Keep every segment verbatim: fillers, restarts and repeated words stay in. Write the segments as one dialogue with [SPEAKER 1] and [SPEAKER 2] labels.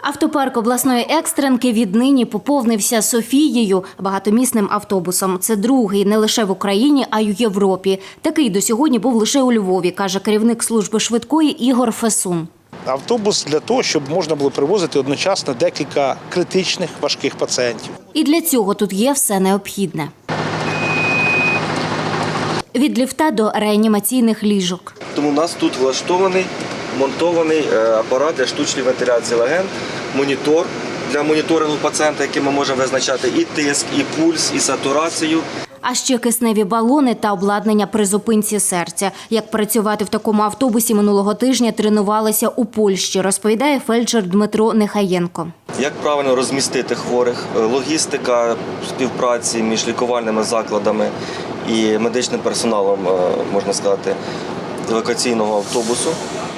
[SPEAKER 1] Автопарк обласної екстренки віднині поповнився «Софією» – багатомісним автобусом. Це другий не лише в Україні, а й у Європі. Такий до сьогодні був лише у Львові, каже керівник служби швидкої Ігор Фесун.
[SPEAKER 2] Автобус для того, щоб можна було привозити одночасно декілька критичних важких пацієнтів.
[SPEAKER 1] І для цього тут є все необхідне. Від ліфта до реанімаційних ліжок.
[SPEAKER 3] Тому у нас тут влаштований, монтований апарат для штучної вентиляції легень, монітор для моніторингу пацієнта, який ми можемо визначати і тиск, і пульс, і сатурацію.
[SPEAKER 1] А ще кисневі балони та обладнання при зупинці серця. Як працювати в такому автобусі минулого тижня тренувалися у Польщі, розповідає фельдшер Дмитро Нехаєнко.
[SPEAKER 3] Як правильно розмістити хворих, логістика співпраці між лікувальними закладами і медичним персоналом, можна сказати, евакуаційного автобусу.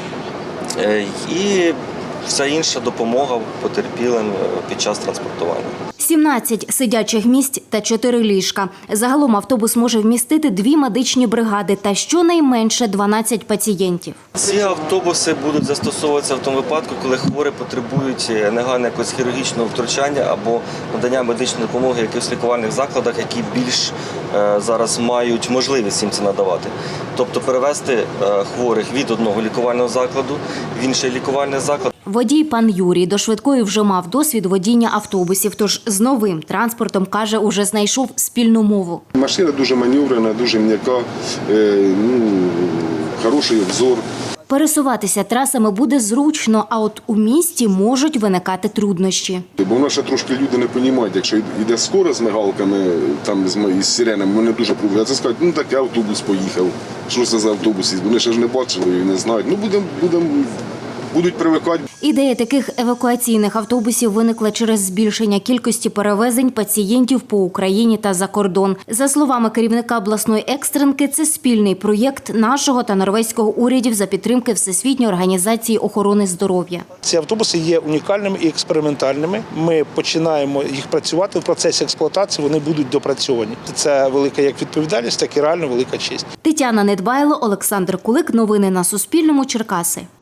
[SPEAKER 3] І вся інша допомога потерпілим під час транспортування.
[SPEAKER 1] сімнадцять сидячих місць та чотири ліжка. Загалом автобус може вмістити дві медичні бригади та щонайменше дванадцять пацієнтів.
[SPEAKER 3] Ці автобуси будуть застосовуватися в тому випадку, коли хворі потребують негайно якогось хірургічного втручання або надання медичної допомоги в якихось лікувальних закладах, які більш е, зараз мають можливість їм це надавати. Тобто перевезти е, хворих від одного лікувального закладу в інший лікувальний заклад.
[SPEAKER 1] Водій пан Юрій до швидкої вже мав досвід водіння автобусів, тож з новим транспортом, каже, уже знайшов спільну мову.
[SPEAKER 4] Машина дуже маневрена, дуже м'яка, е, ну, хороший обзор.
[SPEAKER 1] Пересуватися трасами буде зручно, а от у місті можуть виникати труднощі.
[SPEAKER 4] Бо в нас ще трошки люди не розуміють, якщо йде скоро з мигалками, там, з сиренами, вони дуже пробують. Це скажуть, ну такий автобус поїхав, що це за автобус, вони ще ж не бачили і не знають. Ну будемо, будемо. Будуть привикати.
[SPEAKER 1] Ідея таких евакуаційних автобусів виникла через збільшення кількості перевезень пацієнтів по Україні та за кордон. За словами керівника обласної екстренки, це спільний проєкт нашого та норвезького урядів за підтримки Всесвітньої організації охорони здоров'я.
[SPEAKER 2] Ці автобуси є унікальними і експериментальними. Ми починаємо їх працювати в процесі експлуатації, вони будуть допрацьовані. Це велика як відповідальність, так і реально велика честь.
[SPEAKER 1] Тетяна Недбайло, Олександр Кулик. Новини на Суспільному. Черкаси.